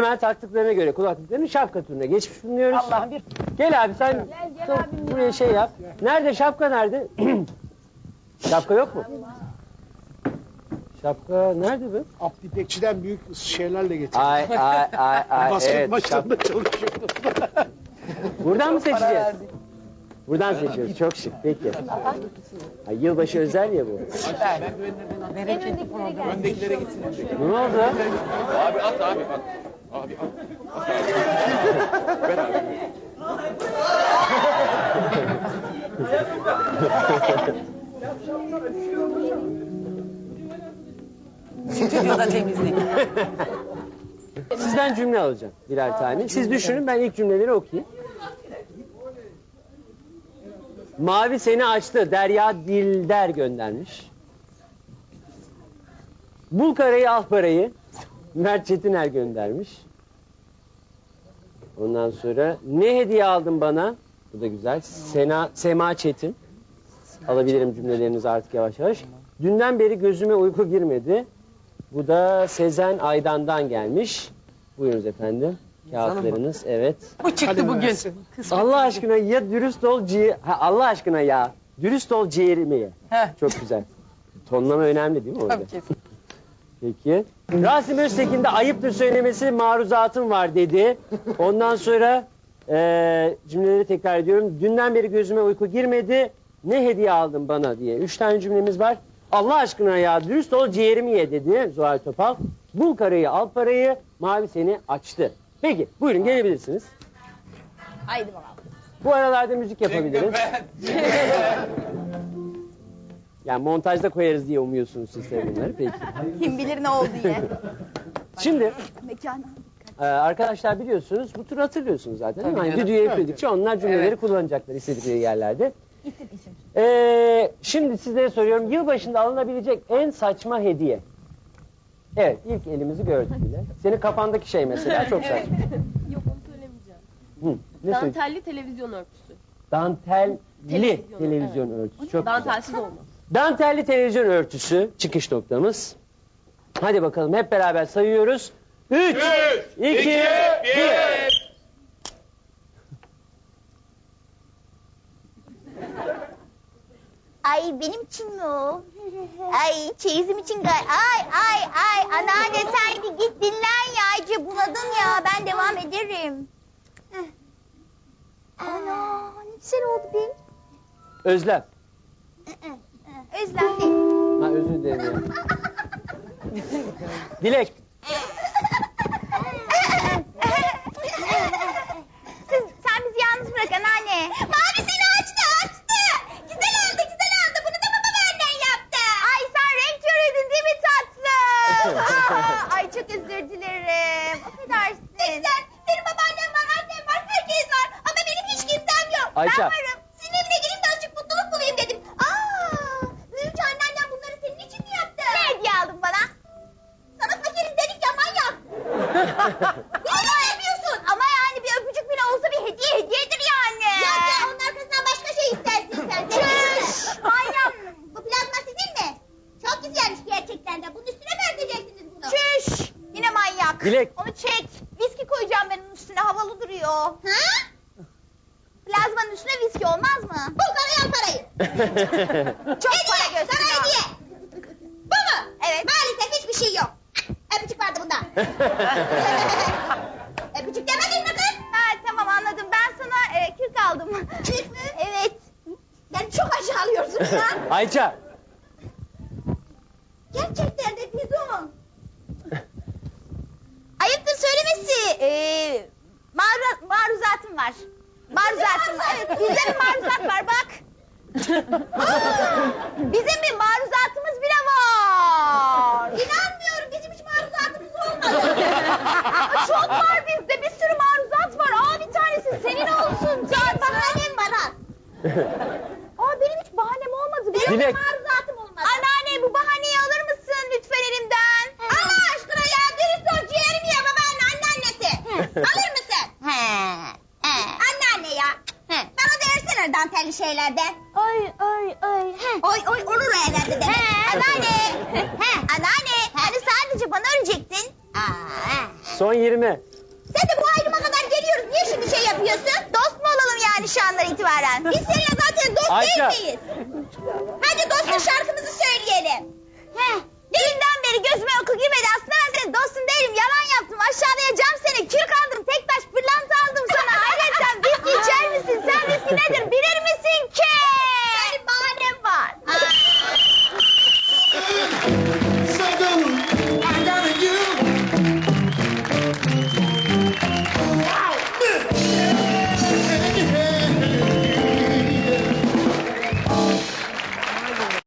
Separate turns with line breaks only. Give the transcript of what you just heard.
Temel taktıklarına göre kulaklıklarının şapka turuna geçmiş bulunuyoruz.
Allah'ım bir...
Gel abi sen buraya şey yap. Nerede şapka nerede? Şapka yok mu? Şapka nerede bu?
Abdi İpekçi'den büyük şeylerle getirdim.
Ay.
Basket
Evet,
maçlarında çalışıyordum.
Buradan mı seçeceğiz? Buradan seçiyoruz. Çok şık. Peki. Ay, yılbaşı özel ya bu.
Bereketli program.
Öndekilere gitsin.
Ne oldu?
Abi at abi at. Abi at. At abi. Ver abi.
Stüdyoda temizlik.
Sizden cümle alacağım birer tane. Siz düşünün, ben ilk cümleleri okuyayım. Mavi seni açtı. Derya Dilder göndermiş. Bul karayı al parayı. Mert Çetiner göndermiş. Ondan sonra ne hediye aldın bana? Bu da güzel. Sema Çetin. Alabilirim cümlelerinizi artık yavaş yavaş. Dünden beri gözüme uyku girmedi. Bu da Sezen Aydan'dan gelmiş. Buyurunuz efendim. Kağıtlarınız, evet.
Bu çıktı bugün.
Allah aşkına ya dürüst ol Allah aşkına ya. Dürüst ol ciğerimi ye.
Heh.
Çok güzel. Tonlama önemli değil mi orada?
Tabii kesin.
Peki. Rasim Öztekin de ayıptır söylemesi maruzatım var dedi. Ondan sonra cümleleri tekrar ediyorum. Dünden beri gözüme uyku girmedi. Ne hediye aldın bana diye. 3 tane cümlemiz var. Allah aşkına ya dürüst ol ciğerimi ye dedi Zuhal Topal. Bul karayı al parayı, mavi seni açtı. Peki buyurun gelebilirsiniz.
Haydi bakalım.
Bu aralarda müzik yapabiliriz. Yani montajda koyarız diye umuyorsunuz siz de bunları. Peki.
Kim bilir ne oldu diye.
Şimdi
Mekana.
arkadaşlar biliyorsunuz bu turu hatırlıyorsunuz zaten. Değil mi? Hani düdüğü üfledikçe onlar cümleleri kullanacaklar istedikleri yerlerde.
İsim.
Şimdi sizlere soruyorum. Yılbaşında alınabilecek en saçma hediye. Evet, ilk elimizi gördük bile. Senin kafandaki şey mesela çok saçma.
Yok onu söylemeyeceğim.
Hı, ne söyleyeyim?
Dantelli televizyon örtüsü.
Dantelli
Televizyon,
televizyon örtüsü. Çok güzel.
Dantelsiz olmaz.
Dantelli televizyon örtüsü çıkış noktamız. Hadi bakalım hep beraber sayıyoruz. 3, 2, 1.
Ay benim için mi o? Ay çeyizim için ay anneanne sen git dinlen ya iyice bunadın ya ben devam ederim. Ana ne güzel oldu benim.
Özlem.
Özlem değil.
Ha özür dilerim ya. Dilek.
Sen bizi yalnız bırak anneanne. Mavi seni açtı. Güzel oldu. Bunu da baba benden yaptı. Ay sen renk körüydün değil mi tatlım? Ay çok özür dilerim. Affedersin. Sen, benim babaannem var, annem var, herkes var. Ama benim hiç kimsem yok.
Ayça.
Ben varım. Senin evine gelip de azıcık mutluluk bulayım dedim. Büyüyünce anneannem bunları senin için mi yaptı? Ne hediye aldın bana? Sana fakiriz dedik ya manyak. Ne yapıyorsun? Ama yani bir öpücük bile olsa bir hediyedir yani. Ya onun arkasından başka şey istersin sen. Çüş! Manyak! Bu plazma sizin mi? Çok güzelmiş gerçekten de. Bunun üstüne mi örteceksiniz bunu? Çüş! Yine manyak.
Dilek.
Onu çek. Viski koyacağım ben onun üstüne. Havalı duruyor. Ha? Plazmanın üstüne viski olmaz mı? Bul parayı al parayı. Çok para gösteriyor. Sana hediye. Bu mu? Evet. Maalesef hiçbir şey yok. Öpücük vardı bunda. Öpücük demedin mi kız? Ha tamam anladım. Ben sana kürk aldım. Kürk mü? Evet. Yani çok aşağılıyorsun ya.
Ayça.
Gerçekten de Füzun. Ayıptır söylemesi. Maruzatım var. Maruzatım var. Evet, bizde bir maruzat var bak. Bizim bir maruzatımız bile var. İnanmıyorum bizim hiç maruzatımız olmadı. Çok var bizde bir sürü maruzat var. Bir tanesi senin olsun. Can bahanem var ha. Benim hiç bahanem olmadı. Benim
Dilek.
de maruzatım olmadı. Anneanne bu bahaneyi alır mısın lütfen elimden? Allah aşkına ya dürüst ol ciğerimi ye babanın anneannesi. Alır mısın? Anneanne ya. Bana da versene dantelli şeylerden. Oy olur o herhalde demek. Anneanne. Anneanne. Hani sadece bana örecektin.
Son 20.
Sen de bu ayrıma kadar geliyoruz. Niye şimdi şey yapıyorsun? Dost mu olalım yani şu andan itibaren? Biz seninle zaten dost
Ayça.
değil miyiz? Hadi dostla şarkımızı söyleyelim. Heh. Dünden beri gözüme uyku girmedi. Aslında ben senin dostun değilim. Yalan yaptım. Aşağılayacağım seni. Kürk aldım. Tek taş pırlanta aldım sana. Hayret sen viski içer misin? Sen viski nedir? Bir